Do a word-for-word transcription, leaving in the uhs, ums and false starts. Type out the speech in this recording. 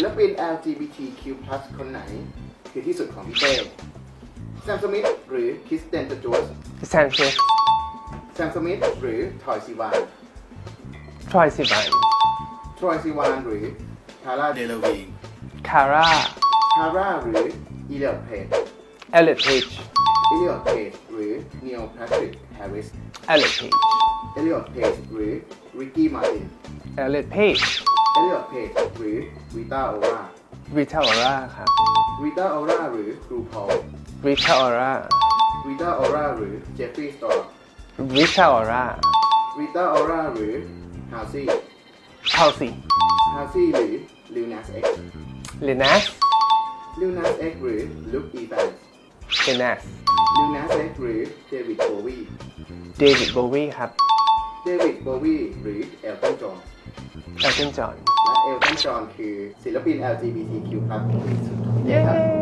ลปิน แอล จี บี ที คิว พลัส คนไหนคือที่สุดของพี่เต้แซมสมิธหรือคริสเตนจูสแซมซิสแซมสมิธหรือทอยซีวานทรอยซิวันทรอยซีวานหรือคาร่าเดลวีนคาร่าคาร่าหรืออีเลียดเพจเอลิทเพจอีเลียดเพจหรือนีลแพทริกแฮร์ริสเอลิทเพจเอลิออดเพจหรือริกกี้มาร์ตินเอลิทเพจเอลิออดเพจหรือริต้าโอราริทาออร่าครับริต้าโอราหรือครูพอลริทาออร่าริต้าโอราหรือเจฟฟรีย์สตอร์ริทาออร่าริต้าโอราหรือฮาวซี่เท่าสี่ฮาวซี่หรือลิวนัสเอ็กซ์ลินัสลิวนัสเอ็กซ์หรือลุคอีแฟนส์ลินัสลิวนัสเอ็กซ์หรือเดวิดโบวีเดวิดโบวีครับเดวิดโบวีหรือเอลตันจอห์นเอลตันจอห์นและเอลตันจอห์นคือศิลปิน แอล จี บี ที คิว พลัส ที่สุดของประเทศครับ